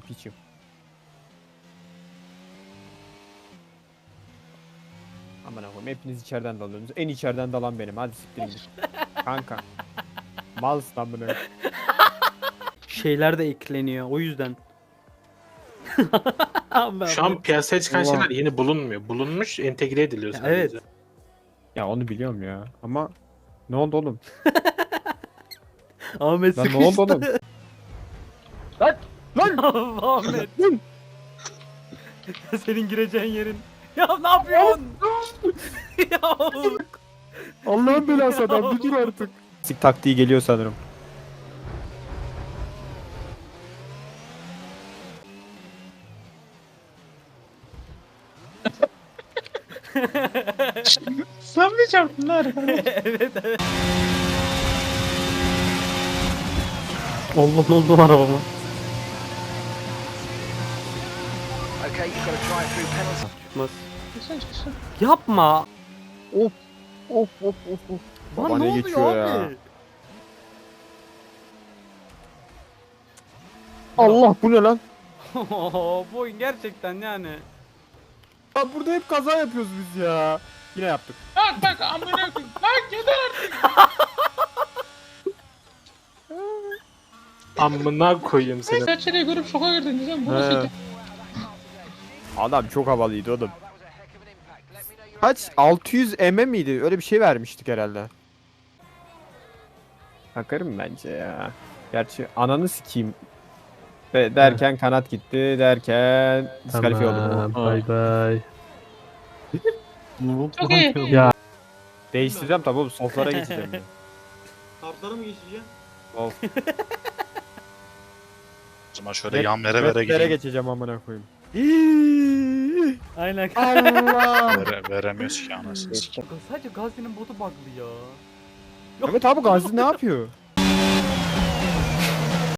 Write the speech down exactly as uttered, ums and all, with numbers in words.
piçim. Aman Allah'ım hepiniz içeriden dalıyorsunuz. En içeriden dalan benim. Hadi siktirin git. Kanka. Malsın lan bunu. Şeyler de ekleniyor o yüzden. Ben- Şu an piyasaya çıkan Allah. şeyler yeni bulunmuyor. Bulunmuş, entegre ediliyor Ya sadece. evet. Ya onu biliyorum ya. Ama ne oldu oğlum? Ahmet Lan ne sıkıştı. oldu oğlum? Lan! Lan! Ahmet. Senin gireceğin yerin. Ya ne yapıyorsun? Ya. Allah'ın belası adam bir dur artık. Sik taktiği geliyor sanırım. Sen mi çarptın lan? Evet evet. Allah ne oldu arabama? Okay, you've got to try it through penalty. Çıkmaz. Yapma. Of of of of of. Lan Baba ne ne oluyor geçiyor ya? abi? Allah bu ne lan? Bu oyun gerçekten yani. Ya burada hep kaza yapıyoruz biz ya. Yine yaptık. Bak bak amına koyayım. Lan yeter artık. Amına koyayım seni. Saçları görüp şoka girdin diyeceğim. Bu He. nasıl? Adam çok havalıydı oğlum. Kaç? altı yüz millisek miydi? Öyle bir şey vermiştik herhalde. Bakarım bence ya. Gerçi ananı sikeyim. Ve derken kanat gitti derken diskalifiye olduk. Bay bay. Çok iyi. Ya Değiştireceğim tabi oğlum soflara geçeceğim. ya. Kartlara mı geçeceğim? Of. O zaman şöyle yan vere vere Yere gideyim. geçeceğim amına koyayım. aynen. Allah. Vere, veremiyoruz ki anasını. Sadece Gazi'nin botu bug'lı ya. Evet abi Gazi ne yapıyor?